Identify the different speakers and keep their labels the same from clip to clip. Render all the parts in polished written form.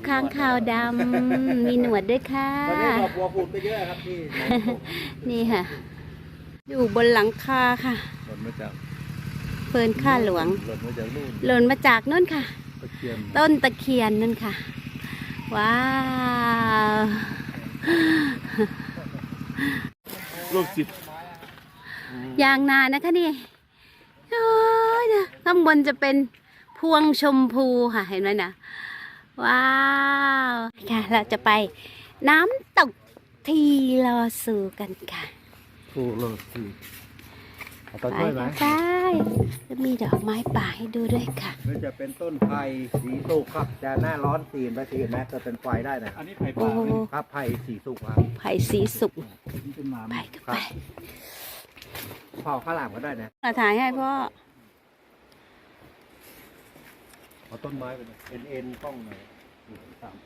Speaker 1: ค้างคาวดำมีหนวดด้วยค่ะ
Speaker 2: ตอนนี้ดอกบัวผุดไปเยอะครับพี่
Speaker 1: นี่ค่ะ อยู่บนหลังคาค่ะ
Speaker 2: หล่นมาจาก
Speaker 1: เฟิร์นข้าหลวง
Speaker 2: หล่นมาจากนู่น
Speaker 1: หล่นมาจากนู่นค่ะ
Speaker 2: ตะเคียน
Speaker 1: ต้นตะเคียนนั่นค่ะ ว้าว
Speaker 2: ลูกจิต
Speaker 1: ยางนานะคะนี่โอ้ยนะข้างบนจะเป็นพวงชมพูค่ะเห็นไหมนะว้าวค่ะเราจะไปน้ำตกทีลอซูกันค่ะ
Speaker 2: ถูกเลยสิเอาต้น
Speaker 1: ไป
Speaker 2: กล้วยไหม
Speaker 1: ค่ะไปจะมีดอกไม้ป่าให้ดูด้วยค่ะ
Speaker 2: นี่จะเป็นต้นไผ่สีสุกครับจะหน้าร้อนสีนไปสีนแม้จะเป็นไฟได้นะอันนี้ไผ่
Speaker 1: โอ้
Speaker 2: ป่าครับไผ่สีสุกครับ
Speaker 1: ไผ่สีสุก
Speaker 2: นี่เป็นหมา
Speaker 1: ไปก็ไป
Speaker 2: เผาข้าวหลามก็ได้นะ
Speaker 1: มาถ่ายให้พ่อ
Speaker 2: เอาต้นไม้ไปเลยเอ็นป้องหน่อยตาม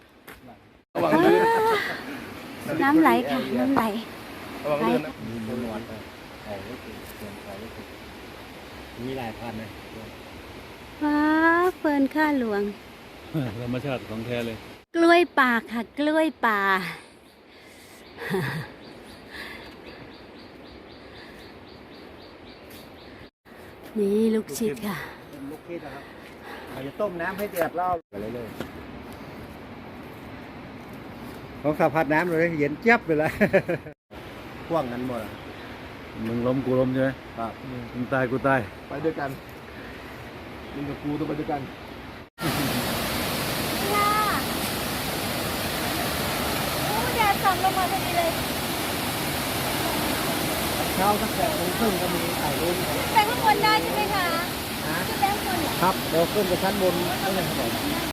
Speaker 1: น้ำไหลค่ะ น้ำไหล
Speaker 2: ระวังเลื่อนนะมีนวลไปเอาไว้ติดเตรียมเอาไว้ติดมีหลายพันนะ
Speaker 1: ว้าเฟิร์นข้าหลวง
Speaker 2: ธรรมชาติของแท้เลย
Speaker 1: กล้วยป่าค่ะ กล้วยป่า นี่ลูกชิดค่ะ
Speaker 2: เป็นลูกคิดนะครับเราจะต้มน้ำให้เดือดแล้วไปเรื่อยๆของสะพัดน้ำเลยเย็นเจี๊ยบไปเลยพ่วงกันหมด
Speaker 3: มึงล้มกูล้มใช่ไหม
Speaker 2: ครับ
Speaker 3: มึงตายกูตาย
Speaker 2: ไปด้วยกันมึงกับกูต้องไปด้วยกัน
Speaker 1: แดดส่องลงมาพอดีเลย
Speaker 2: เช้าตั้งแต่ตรงขึ้นก็มีถ่ายรูป
Speaker 1: ไปข้างบนได้ใช่ไหมคะ
Speaker 2: นะ
Speaker 1: ขึ้นไปข้างบนเหรอ
Speaker 2: ครับเดี๋ยวขึ้นไปชั้นบนนั่นเลยครับผม